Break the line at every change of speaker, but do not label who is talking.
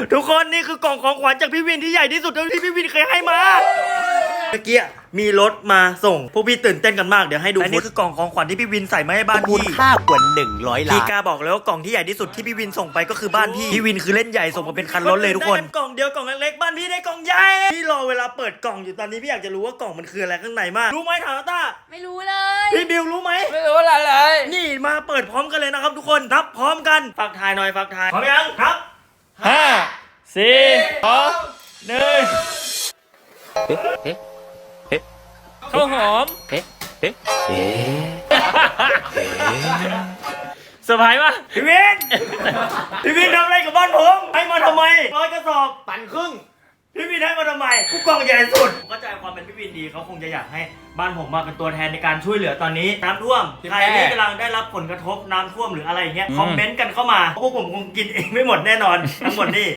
ทุกคนนี่คือกล่องของขวัญจากพี่วินที่ใหญ่ที่สุดเท่าที่พี่วินเคยให้มาเมื่อกี้มีรถมาส่งพวกพี่ตื่นเต้นกันมากเดี๋ยวให้ดูอันนี้คือกล่องของขวัญที่พี่วินใส่มาให้บ้าน
มูล
พี่
ค่ากว่า100 ล้า
พี่
น
กาบอกเลยว่ากล่องที่ใหญ่ที่สุดที่พี่วินส่งไปก็คือบ้านพี่พี่วินคือเล่นใหญ่ส่งมาเป็นคันรถเลยทุกคนกล่องเดียวกล่องเล็กๆบ้านพี่ได้กล่องใหญ่พี่รอเวลาเปิดกล่องอยู่ตอนนี้พี่อยากจะรู้ว่ากล่องมันคืออะไรข้างในมากรู้ไหมถามต้า
ไม่รู้เลย
พี่บิวรู้ไหม
ไม่รู้อะไรเลย
นี่มาเปิดพร้อมกันเลยนะครับทุกคนนับพร้อมกันฝากทายหน่อยฝากทายพร้อมยังครับ
5 4 2 1ข้าวหอมเซอร์ไพรส์ปะ
พี่วินพี่วินทำอะไรกับบ้านผมให้มาทำไม100 กระสอบ
ปั่นครึ่ง
พี่วินให้มาทำไมผู้กองใหญ่สุดผมเข้าใจความเป็นพี่วินดีเขาคงจะอยากให้บ้านผมมาเป็นตัวแทนในการช่วยเหลือตอนนี้น้ำท่วมใครที่กำลังได้รับผลกระทบน้ำท่วมหรืออะไรอย่างเงี้ยคอมเมนต์กันเข้ามาเพราะพวกผมคงกินเองไม่หมดแน่นอนทั้งหมดนี่